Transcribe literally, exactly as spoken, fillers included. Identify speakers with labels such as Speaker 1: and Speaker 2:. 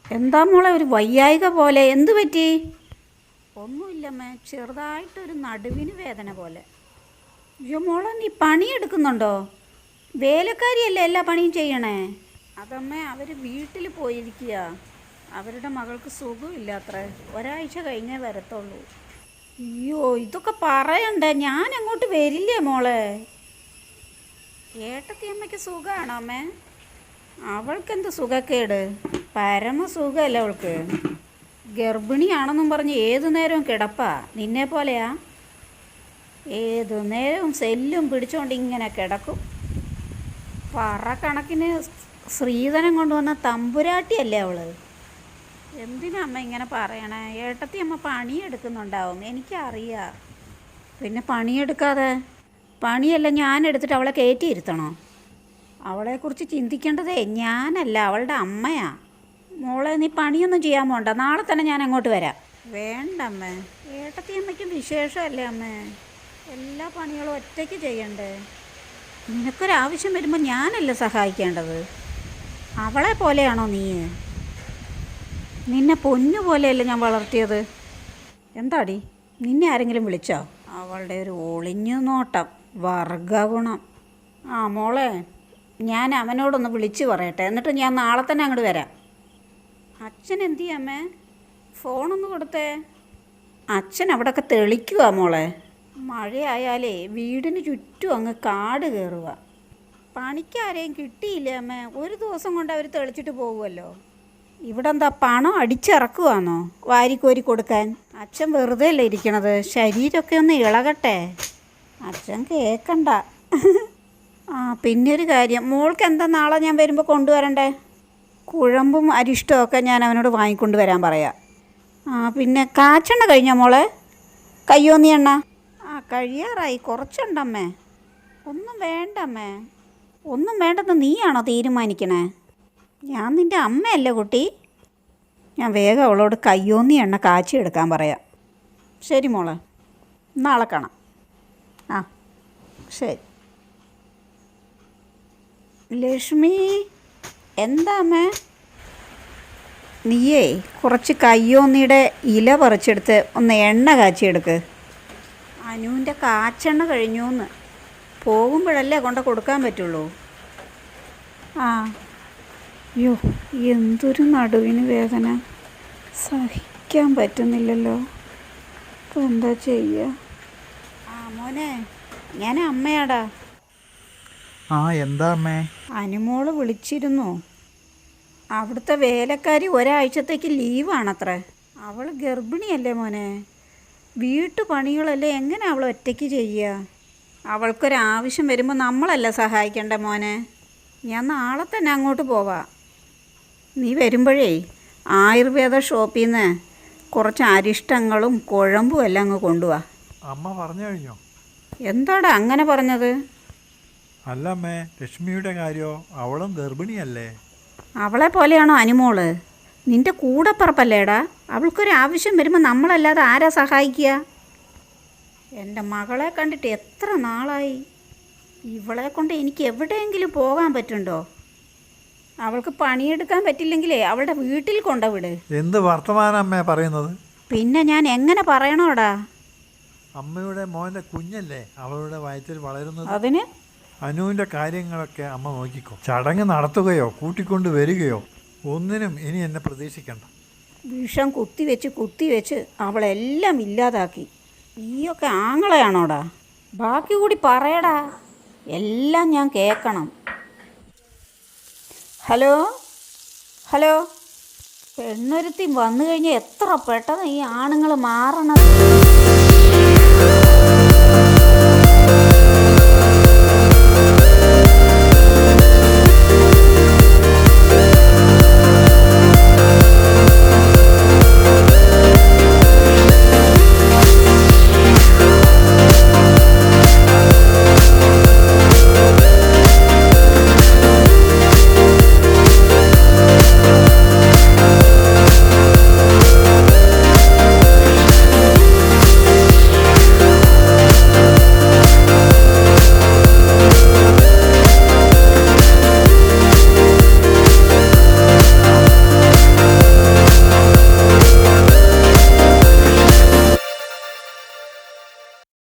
Speaker 1: എന്താ മോളെ ഒരു വയ്യായിക പോലെ? എന്തു പറ്റി? ഒന്നുമില്ലമ്മേ, ചെറുതായിട്ടൊരു നടുവിന് വേദന പോലെ. അയ്യോ മോളെ, നീ പണിയെടുക്കുന്നുണ്ടോ? വേലക്കാരിയല്ലേ എല്ലാ പണിയും ചെയ്യണേ? അതമ്മേ, അവർ വീട്ടിൽ പോയിരിക്കുക. അവരുടെ മകൾക്ക് സുഖമില്ല അത്രേ. ഒരാഴ്ച കഴിഞ്ഞേ വരത്തുള്ളൂ. അയ്യോ, ഇതൊക്കെ പറയണ്ടേ? ഞാൻ അങ്ങോട്ട് വരില്ലേ മോളെ? ഏട്ടത്തിയമ്മയ്ക്ക് സുഖമാണോ അമ്മേ? അവൾക്കെന്ത് സുഖക്കേട്? പരമസുഖമല്ലേ അവൾക്ക്. ഗർഭിണിയാണെന്നും പറഞ്ഞ് ഏതു നേരവും കിടപ്പാ. നിന്നെ പോലെയാ? ഏതു നേരവും സെല്ലും പിടിച്ചുകൊണ്ട് ഇങ്ങനെ കിടക്കും. പറ കണക്കിന് ശ്രീധനം കൊണ്ടുവന്ന തമ്പുരാട്ടിയല്ലേ അവള്. എന്തിനാ അമ്മ ഇങ്ങനെ പറയണേ? ഏട്ടത്തി അമ്മ പണിയെടുക്കുന്നുണ്ടാവും, എനിക്കറിയാം. പിന്നെ പണിയെടുക്കാതെ? പണിയല്ല ഞാൻ എടുത്തിട്ട് അവളെ കയറ്റിയിരുത്തണോ? അവളെക്കുറിച്ച് ചിന്തിക്കേണ്ടതേ ഞാനല്ല, അവളുടെ അമ്മയാ. മോളെ, നീ പണിയൊന്നും ചെയ്യാൻ പോണ്ട. നാളെ തന്നെ ഞാൻ അങ്ങോട്ട് വരാം. വേണ്ട അമ്മേ, ഏട്ടത്തി അമ്മയ്ക്കും വിശേഷമല്ലേ അമ്മേ. എല്ലാ പണികളും ഒറ്റയ്ക്ക് ചെയ്യണ്ടേ? നിനക്കൊരാവശ്യം വരുമ്പോൾ ഞാനല്ലേ സഹായിക്കേണ്ടത്? അവളെ പോലെയാണോ നീ? നിന്നെ പൊന്നു പോലെയല്ലേ ഞാൻ വളർത്തിയത്. എന്താടി, നിന്നെ ആരെങ്കിലും വിളിച്ചോ? അവളുടെ ഒരു ഒളിഞ്ഞു നോട്ടം, വർഗഗുണം. ആ മോളെ, ഞാൻ അവനോടൊന്ന് വിളിച്ച് പറയട്ടെ, എന്നിട്ട് ഞാൻ നാളെ തന്നെ അങ്ങോട്ട് വരാം. അച്ഛൻ എന്തു ചെയ്യാമേ? ഫോണൊന്ന് കൊടുത്തേ. അച്ഛൻ അവിടെയൊക്കെ തെളിക്കുക മോളെ. മഴയായാലേ വീടിന് ചുറ്റും അങ്ങ് കാട് കയറുക. പണിക്കാരെയും കിട്ടിയില്ല അമ്മേ. ഒരു ദിവസം കൊണ്ട് അവർ തെളിച്ചിട്ട് പോകുമല്ലോ. ഇവിടെ എന്താ പണം അടിച്ചിറക്കുവാന്നോ വാരിക്കോരി കൊടുക്കാൻ? അച്ഛൻ വെറുതെ അല്ലേ ഇരിക്കണത്, ശരീരമൊക്കെ ഒന്ന് ഇളകട്ടെ. അച്ഛൻ കേൾക്കണ്ട. ആ പിന്നെ ഒരു കാര്യം, മോൾക്ക് എന്താ നാളെ ഞാൻ വരുമ്പോൾ കൊണ്ടുവരണ്ടേ? കുഴമ്പും അരിഷ്ടമൊക്കെ ഞാൻ അവനോട് വാങ്ങിക്കൊണ്ട് വരാൻ പറയാം. ആ പിന്നെ കാച്ചെണ്ണ കഴിഞ്ഞോ മോളെ? കയ്യോന്നി എണ്ണ? ആ കഴിയാറായി, കുറച്ചുണ്ടമ്മേ. ഒന്നും വേണ്ടമ്മേ, ഒന്നും വേണ്ടെന്ന് നീയാണോ തീരുമാനിക്കണേ? ഞാൻ നിൻ്റെ അമ്മയല്ലേ കുട്ടി. ഞാൻ വേഗം അവളോട് കയ്യോന്നി എണ്ണ കാച്ചി എടുക്കാൻ പറയാം. ശരി മോളെ, നാളെ കാണാം. ആ ശരി. ലക്ഷ്മി, എന്താ അമ്മേ? നീയേ കുറച്ച് കയ്യോന്നിയുടെ ഇല പറിച്ചെടുത്ത് ഒന്ന് എണ്ണ കാച്ചിയെടുക്ക്. അനുവിൻ്റെ കാച്ചെണ്ണ കഴിഞ്ഞൂന്ന്. പോകുമ്പോഴല്ലേ കൊണ്ട് കൊടുക്കാൻ പറ്റുള്ളൂ. ആ അയ്യോ, എന്തൊരു നടുവിന് വേദന, സഹിക്കാൻ പറ്റുന്നില്ലല്ലോ. ഇപ്പം എന്താ ചെയ്യുക? ആ മോനെ, ഞാൻ അമ്മയാടാ.
Speaker 2: ആ എന്താ അമ്മേ?
Speaker 1: അനുമോള് വിളിച്ചിരുന്നു. അവിടുത്തെ വേലക്കാരി ഒരാഴ്ചത്തേക്ക് ലീവാണത്രേ. അവൾ ഗർഭിണിയല്ലേ മോനെ. വീട്ടുപണികളല്ലേ എങ്ങനെ അവൾ ഒറ്റയ്ക്ക് ചെയ്യുക? അവൾക്കൊരാവശ്യം വരുമ്പോൾ നമ്മളല്ല സഹായിക്കേണ്ട മോനെ. ഞാൻ നാളെ തന്നെ അങ്ങോട്ട് പോവാം. നീ വരുമ്പോഴേ ആയുർവേദ ഷോപ്പിൽ നിന്ന് കുറച്ച് അരിഷ്ടങ്ങളും കുഴമ്പും എല്ലാം അങ്ങ് കൊണ്ടുപോവാ.
Speaker 2: അമ്മ പറഞ്ഞു കഴിഞ്ഞോ?
Speaker 1: എന്താടാ അങ്ങനെ പറഞ്ഞത്?
Speaker 2: അല്ല അമ്മേ, ലക്ഷ്മിയുടെ കാര്യമോ? അവളും ഗർഭിണിയല്ലേ?
Speaker 1: അവളെ പോലെയാണോ അനുമോള്? നിൻ്റെ കൂടപ്പറപ്പല്ലേടാ. അവൾക്കൊരാവശ്യം വരുമ്പോൾ നമ്മളല്ലാതെ ആരാ സഹായിക്കുക? എൻ്റെ മകളെ കണ്ടിട്ട് എത്ര നാളായി. ഇവളെ കൊണ്ട് എനിക്ക് എവിടെയെങ്കിലും പോകാൻ പറ്റുണ്ടോ? അവൾക്ക് പണിയെടുക്കാൻ പറ്റില്ലെങ്കിലേ അവളുടെ വീട്ടിൽ കൊണ്ടുവിട്.
Speaker 2: എന്ത് വർത്തമാനം അമ്മേ പറയുന്നത്?
Speaker 1: പിന്നെ ഞാൻ എങ്ങനെ പറയണോടാ?
Speaker 2: അമ്മയുടെ മോൻ്റെ കുഞ്ഞല്ലേ അവളുടെ വയറ്റിൽ വളരുന്നത്.
Speaker 1: അതിന്
Speaker 2: അനുവിൻ്റെ കാര്യങ്ങളൊക്കെ അമ്മ നോക്കിക്കോ. ചടങ്ങ് നടത്തുകയോ കൂട്ടിക്കൊണ്ട് വരികയോ ഒന്നിനും ഇനി എന്നെ പ്രതീക്ഷിക്കണ്ട.
Speaker 1: വിഷം കുത്തിവെച്ച് കുത്തിവെച്ച് അവളെല്ലാം ഇല്ലാതാക്കി. നീയൊക്കെ ആങ്ങളെയാണോടാ? ബാക്കി കൂടി പറയടാ, എല്ലാം ഞാൻ കേൾക്കണം. ഹലോ ഹലോ, പെണ്ണൊരുത്തി വന്നു കഴിഞ്ഞാൽ എത്ര പെട്ടെന്ന് ഈ ആണുങ്ങൾ മാറണം.